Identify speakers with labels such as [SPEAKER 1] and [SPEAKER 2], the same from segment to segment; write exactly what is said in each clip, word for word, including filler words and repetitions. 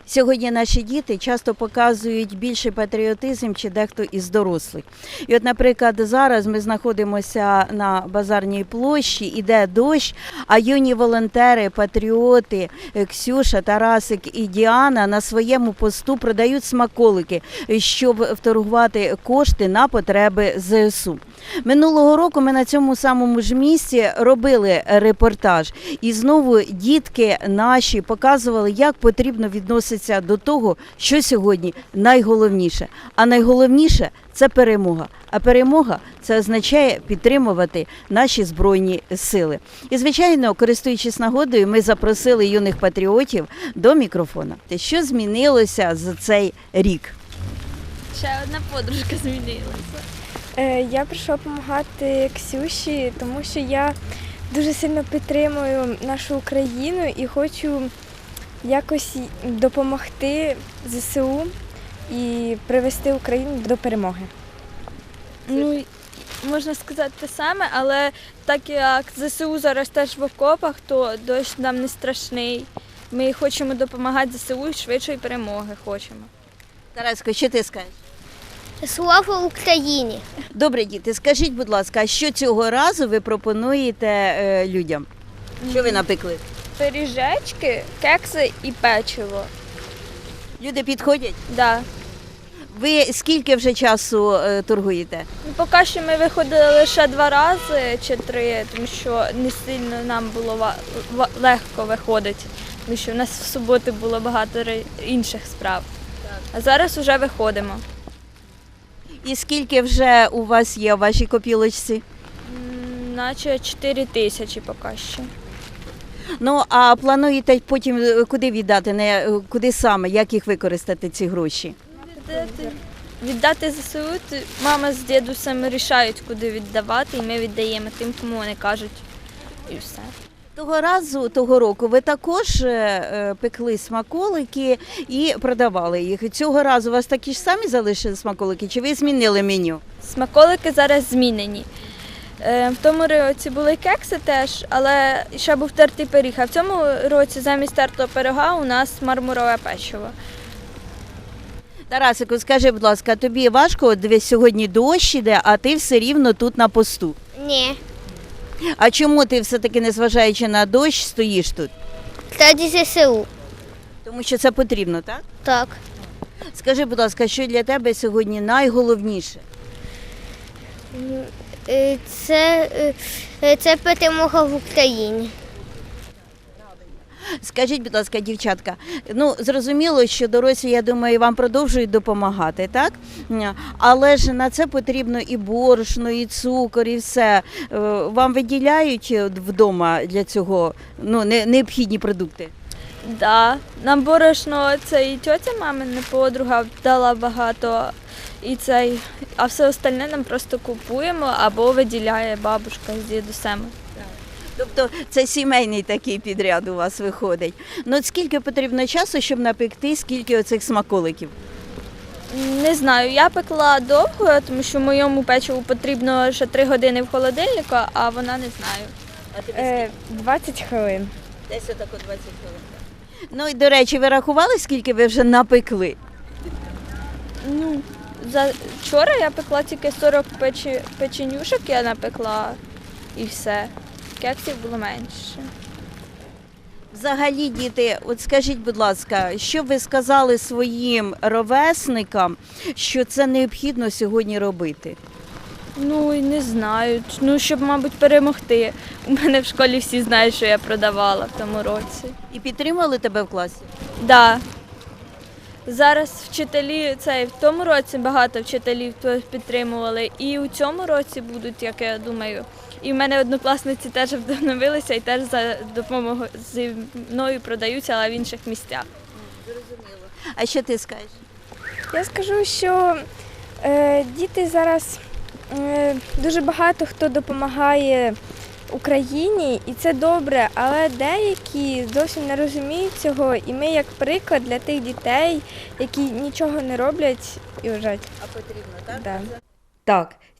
[SPEAKER 1] Сьогодні наші діти часто показують більший патріотизм, чи дехто із дорослих. І от, наприклад, зараз ми знаходимося на Базарній площі, іде дощ, а юні волонтери, патріоти Ксюша, Тарасик і Діана на своєму посту продають смаколики, щоб вторгувати кошти на потреби зе ес у. Минулого року ми на цьому самому ж місці робили репортаж. І знову дітки наші показували, як потрібно відноситися до того, що сьогодні найголовніше. А найголовніше – це перемога. А перемога – це означає підтримувати наші Збройні сили. І, звичайно, користуючись нагодою, ми запросили юних патріотів до мікрофона. Що змінилося за цей рік?
[SPEAKER 2] Ще одна подружка змінилася.
[SPEAKER 3] Я прийшла допомагати Ксюші, тому що я дуже сильно підтримую нашу Україну і хочу якось допомогти зе се у і привести Україну до перемоги.
[SPEAKER 2] Ну, можна сказати те саме, але так як зе се у зараз теж в окопах, то дощ нам не страшний. Ми хочемо допомагати зе се у і швидшої перемоги хочемо.
[SPEAKER 1] Тараско, що ти скажеш?
[SPEAKER 4] Слава Україні!
[SPEAKER 1] Добре, діти, скажіть, будь ласка, а що цього разу ви пропонуєте е, людям? Що ви напекли?
[SPEAKER 2] Пиріжечки, кекси і печиво.
[SPEAKER 1] Люди підходять?
[SPEAKER 2] Да.
[SPEAKER 1] Ви скільки вже часу е, торгуєте?
[SPEAKER 2] Ну, поки що ми виходили лише два рази чи три, тому що не сильно нам було ва- ва- легко виходити, тому що в нас в суботу було багато ри- інших справ. А зараз вже виходимо.
[SPEAKER 1] І скільки вже у вас є в вашій копілочці?
[SPEAKER 2] М, Наче чотири тисячі поки що.
[SPEAKER 1] Ну, а плануєте потім е, куди віддати, не е, куди саме, як їх використати, ці гроші?
[SPEAKER 2] Віддати, віддати зе се у, то мама з дідусем рішають, куди віддавати, і ми віддаємо тим, кому вони кажуть, і все.
[SPEAKER 1] Того разу, того року ви також е, е, пекли смаколики і продавали їх. Цього разу у вас такі ж самі залишили смаколики, чи ви змінили меню?
[SPEAKER 2] Смаколики зараз змінені. Е, В тому році були кекси теж, але ще був тертий пиріг. А в цьому році замість тертого пирога у нас мармурове печиво.
[SPEAKER 1] Тарасику, скажи, будь ласка, тобі важко, от дивись, сьогодні дощ іде, а ти все рівно тут на посту.
[SPEAKER 4] Ні.
[SPEAKER 1] А чому ти все-таки, незважаючи на дощ, стоїш тут?
[SPEAKER 4] Раді зе се у.
[SPEAKER 1] Тому що це потрібно, так?
[SPEAKER 4] Так.
[SPEAKER 1] Скажи, будь ласка, що для тебе сьогодні найголовніше?
[SPEAKER 4] Е, Це, е, це перемога в Україні.
[SPEAKER 1] Скажіть, будь ласка, дівчатка, ну, зрозуміло, що дорослі, я думаю, вам продовжують допомагати, так? Але ж на це потрібно і борошно, і цукор, і все. Е, Вам виділяють вдома для цього, ну, не- необхідні продукти?
[SPEAKER 2] Да. Нам борошно, це і тьотя мамина подруга дала багато, і цей, а все остальне нам просто купуємо або виділяє бабушка з дідусем.
[SPEAKER 1] Тобто це сімейний такий підряд у вас виходить. Ну, от скільки потрібно часу, щоб напекти, скільки оцих смаколиків?
[SPEAKER 2] Не знаю, я пекла довго, тому що моєму печиву потрібно ще три години в холодильнику, а вона не знаю.
[SPEAKER 1] А тобі
[SPEAKER 3] Е, двадцять хвилин.
[SPEAKER 1] Десь отако двадцять хвилин. Ну і, до речі, ви рахували, скільки ви вже напекли?
[SPEAKER 2] Ну, за вчора я пекла тільки сорок печі... печенюшок, я напекла і все. Кексів було менше.
[SPEAKER 1] Взагалі, діти, от скажіть, будь ласка, що б ви сказали своїм ровесникам, що це необхідно сьогодні робити?
[SPEAKER 2] Ну, і не знаю. Ну, щоб, мабуть, перемогти. У мене в школі всі знають, що я продавала в тому році.
[SPEAKER 1] І підтримали тебе в класі?
[SPEAKER 2] Да. Зараз вчителі, це, в тому році багато вчителів підтримували, і у цьому році будуть, як я думаю. І в мене однокласниці теж вдохновилися і теж за допомогою зі мною продаються, але в інших місцях.
[SPEAKER 1] Зрозуміло. А що ти скажеш?
[SPEAKER 3] Я скажу, що е, діти зараз е, дуже багато хто допомагає Україні, і це добре, але деякі зовсім не розуміють цього, і ми як приклад для тих дітей, які нічого не роблять і вважають.
[SPEAKER 1] А потрібно, так?
[SPEAKER 3] Да.
[SPEAKER 1] Так,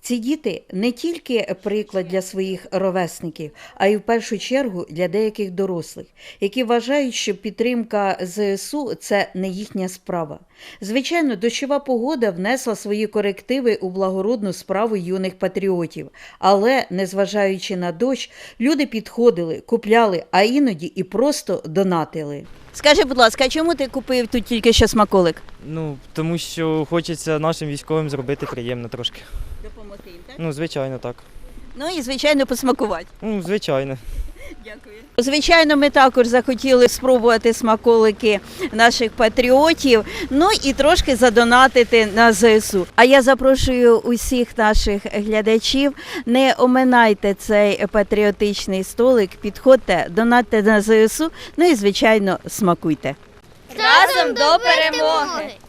[SPEAKER 1] Ці діти не тільки приклад для своїх ровесників, а й в першу чергу для деяких дорослих, які вважають, що підтримка ЗСУ – це не їхня справа. Звичайно, дощова погода внесла свої корективи у благородну справу юних патріотів, але, незважаючи на дощ, люди підходили, купляли, а іноді і просто донатили. Скажи, будь ласка, а чому ти купив тут тільки що смаколик?
[SPEAKER 5] Ну, тому що хочеться нашим військовим зробити приємно трошки.
[SPEAKER 1] Допомогти їм, так?
[SPEAKER 5] Ну, звичайно, так.
[SPEAKER 1] Ну і, звичайно, посмакувати.
[SPEAKER 5] Ну, звичайно.
[SPEAKER 1] Дякую. Звичайно, ми також захотіли спробувати смаколики наших патріотів, ну і трошки задонатити на ЗСУ. А я запрошую усіх наших глядачів, не оминайте цей патріотичний столик, підходьте, донатьте на ЗСУ, ну і, звичайно, смакуйте.
[SPEAKER 2] Разом до перемоги!